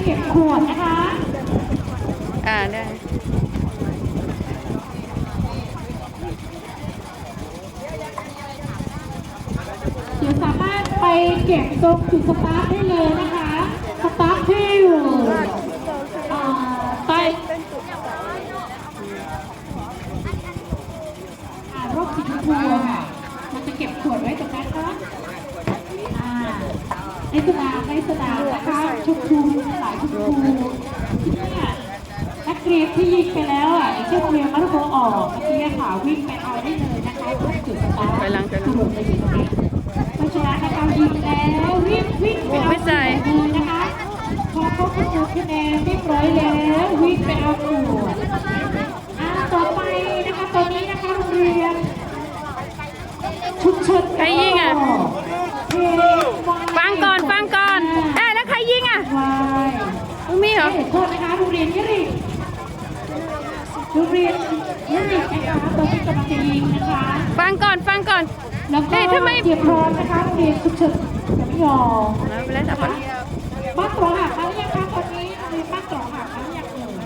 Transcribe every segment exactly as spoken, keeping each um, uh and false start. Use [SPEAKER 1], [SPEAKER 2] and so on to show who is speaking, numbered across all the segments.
[SPEAKER 1] เก็บขวดนะคะ
[SPEAKER 2] อ่าได้
[SPEAKER 1] เดี๋ยวสามารถไปเก็บตรงจุดสตาร์ทได้เลยนะคะสตาร์ทที่อยู่ใต้รถสีชมพูค่ะมันจะเก็บขวดไว้ตรงนั้นนะในสนามในสนามนะคะชมพูหลายชมพูที่นี่นักเรียนที่ยิงไปแล้วอ่ะเช่นเรียนมัธยมออกเมื่อกี้ค่ะวิ่งไปเอาได้เลยนะคะทุกจุดสตาร์ทถนนจะอยู่ตรงนี้เพราะฉะนั้นนะคะยิงแล้วรีบวิ่งไปเอาเลยนะคะพอเขาคำนวณคะแนนเรียบร้อยแล้ววิ่งไปเอาขวดอ่าต่อไปนะคะตอนนี้นะคะโรงเรียนชุมชน
[SPEAKER 2] ใครยิงอ่ะฟังก่อนฟังก่อนเอ๊ะแล้วใครยิงอ่ะมีเหรอ
[SPEAKER 1] โทษนะคะโรงเรียนยิริโรงเรียนยิรินะคะตอนนี้กำลังจะยิงนะคะ
[SPEAKER 2] ฟังก่อนฟังก่อน
[SPEAKER 1] แล้วก็
[SPEAKER 2] ทำไม
[SPEAKER 1] เตรียมพร้อมนะคะโรงเรียนชุมชนจะไม่ยอม
[SPEAKER 2] ไปแล้วจ้ะ
[SPEAKER 1] บ้านตรองหักแล้วยังคะตอนนี้โรงเรียนบ้านตรองหักแล้วยังเอ่ย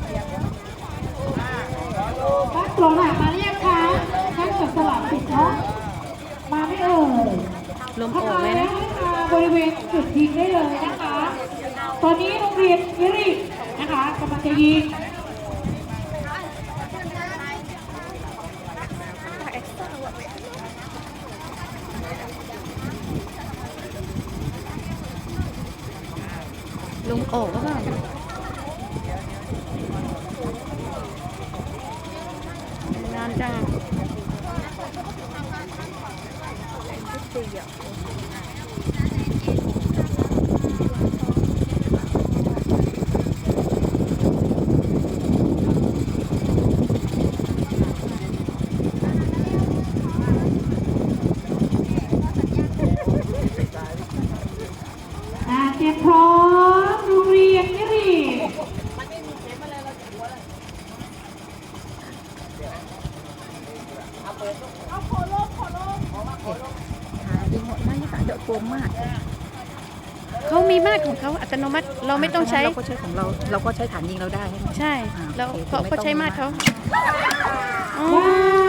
[SPEAKER 1] บ้านตรองหักมาหรือยังคะท่านจับสลับติดเนาะมาไม่เอ่ย
[SPEAKER 2] ลมโอ่งไหมนะ
[SPEAKER 1] บริเวณจุดยิงได้เลยนะคะ ตอนนี้โรงเรียนยิรินะคะกำลังจะยิง
[SPEAKER 2] ลมโอ่งก็ได้นานจัง
[SPEAKER 1] เตรียมพร้อมโรงเรียนยิริ
[SPEAKER 2] ยิงหมดมากนี่ค่ะเดือดโกงมากเขามีมาตรของเขาอัตโนมัติเราไม่ต้องใช้
[SPEAKER 3] เราก็ใช้ของเราเราก็ใช้ฐานยิงเราได้
[SPEAKER 2] ใช่แล้วเขาก็ใช้มาตรเขา
[SPEAKER 1] ว้า